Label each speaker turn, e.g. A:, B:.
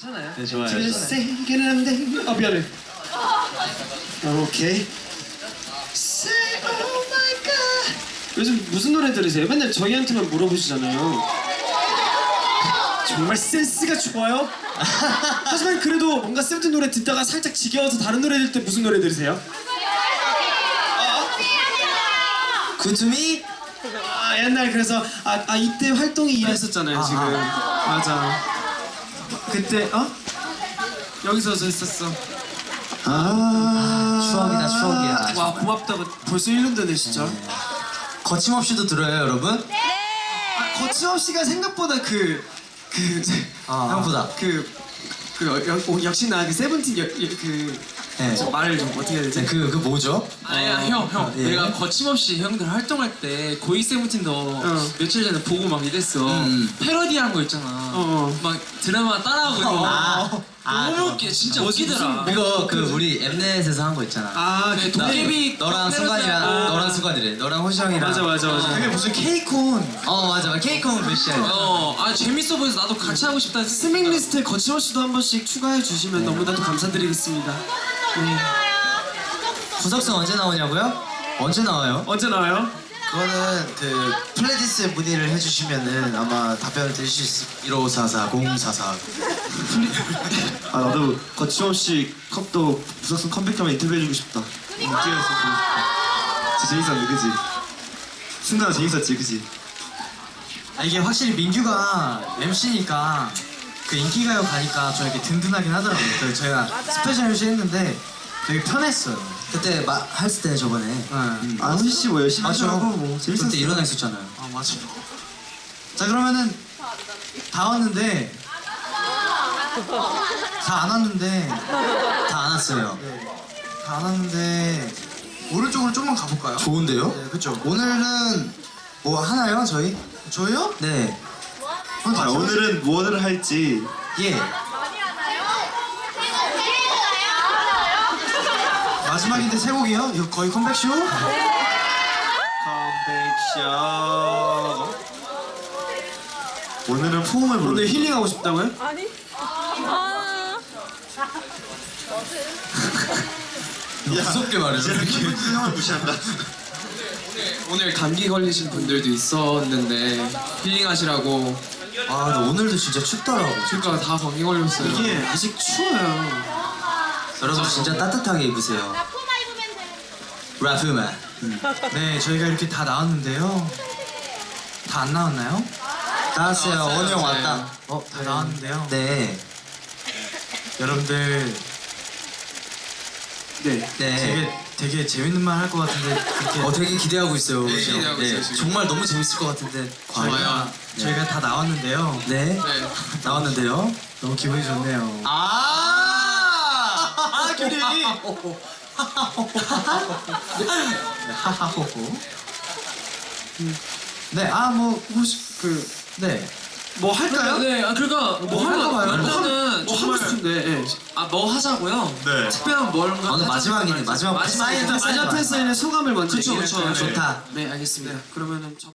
A: 괜찮아요.
B: 네, 좋아요.
A: 아 미안해.
C: 오케이. Say oh my god. 요즘 무슨 노래 들으세요? 맨날 저희한테만 물어보시잖아요. 정말 센스가 좋아요. 하지만 그래도 뭔가 세븐틴 노래 듣다가 살짝 지겨워서 다른 노래 들을 때 무슨 노래 들으세요?
B: 구투미?
C: 아 옛날 그래서 이때 활동이 이랬었잖아요 지금. 맞아. 그때 여기서 저 있었어.
B: 추억이다, 추억이야.
C: 와 고맙다고 벌써 1년 되네 진짜.
B: 거침없이도 들어요, 여러분?
C: 거침없이가 생각보다
B: 생각보다.
C: 역시나 그 세븐틴
B: 네.
C: 저 말을 좀 어떻게 해야 되지?
B: 네, 그 뭐죠?
A: 아니야 형
B: 예.
A: 내가 거침없이 형들 활동할 때 고이 세븐틴도 며칠 전에 보고 막 이랬어. 패러디한 거 있잖아. 막 드라마 따라하고 이런 거. 너무 웃겨. 진짜 웃기더라.
B: 이거 우리 엠넷에서 한 거 있잖아.
A: 네, 도깨비
B: 너랑 순간이랑 너랑 순간이래. 너랑 호시 형이랑.
C: 맞아. 그게 무슨 케이콘.
B: 맞아. 케이크홈 베시야.
A: 재밌어 보여서 나도 같이 하고 싶다.
C: 스밍 리스트에 거침없이도 한 번씩 추가해 주시면 너무나도 감사드리겠습니다.
B: 구석순 언제 나오냐고요? 언제 나와요?
C: 언제 나와요?
D: 그거는 그 플레디스 문의를 해주시면은 아마 답변을 드릴 수 있을 1544 044.
C: 나도 거침없이 컵도 부석순 컴백하면 인터뷰해주고 싶다. 인기가 있었고 진짜 재밌었는데 그지? 순간은 재밌었지 그지?
D: 이게 확실히 민규가 MC니까 그 인기가요 가니까 좀 이렇게 든든하긴 하더라고요. 그래서 저희가 스페셜 MC 했는데 되게 편했어요.
B: 그때 했을 때 저번에.
C: 호시 씨뭐 열심히
D: 맞죠.
C: 하고 뭐 재밌었어.
B: 그때 일어나 있었잖아요.
D: 맞아. 자 그러면은 다 왔는데 다 안 왔는데
B: 다 안 왔어요.
D: 다 안 왔는데 오른쪽으로 좀만 가볼까요?
B: 좋은데요?
D: 네, 그렇죠. 오늘은 뭐 하나요, 저희? 저희요?
B: 네.
C: 오늘은 무엇을 할지
D: 예. 마지막인데 세 곡이요? 이거 거의 컴백쇼?
C: 컴백쇼. 오늘은 포옹을 부르. 오늘 힐링하고 싶다고요?
E: 아니.
B: 무섭게 말해서
D: 형을 무시한다.
A: 오늘 감기 걸리신 분들도 있었는데 힐링하시라고.
B: 근데 오늘도 진짜 춥더라고.
A: 그러니까 다 감기 걸렸어요.
C: 이게 아직 추워요.
B: 여러분 진짜 따뜻하게 입으세요. 라프만.
D: 네, 저희가 이렇게 다 나왔는데요. 다 안 나왔나요?
B: 나왔어요.
A: 나왔어요,
B: 원우 형
A: 네.
B: 왔다.
D: 다 나왔는데요.
B: 네.
D: 여러분들
B: 네.
D: 되게 재밌는 말 할 것 같은데 그렇게
B: 되게 기대하고 있어요.
A: 네,
B: 지금.
A: 기대하고 있어요, 지금.
B: 정말 너무 재밌을 것 같은데.
A: 과연.
D: 저희가 다 나왔는데요.
B: 네.
A: 네.
B: 나왔는데요.
D: 너무 기분이 좋네요.
B: 규리.
D: 하하호호. 네, 뭐 혹시 네.
C: 뭐 할까요?
A: 네, 그러니까 뭐
C: 할까 봐요.
A: 일단은
C: 뭐 하고 싶은데.
A: 뭐 하자고요?
C: 네.
A: 특별한 뭔가
B: 오늘 마지막이네. 마지막
A: 마지막
B: 패스.
C: 마지막 패스에는 소감을 먼저
A: 그쵸,
C: 얘기할까요?
A: 그쵸.
B: 좋다.
C: 네 알겠습니다. 그러면은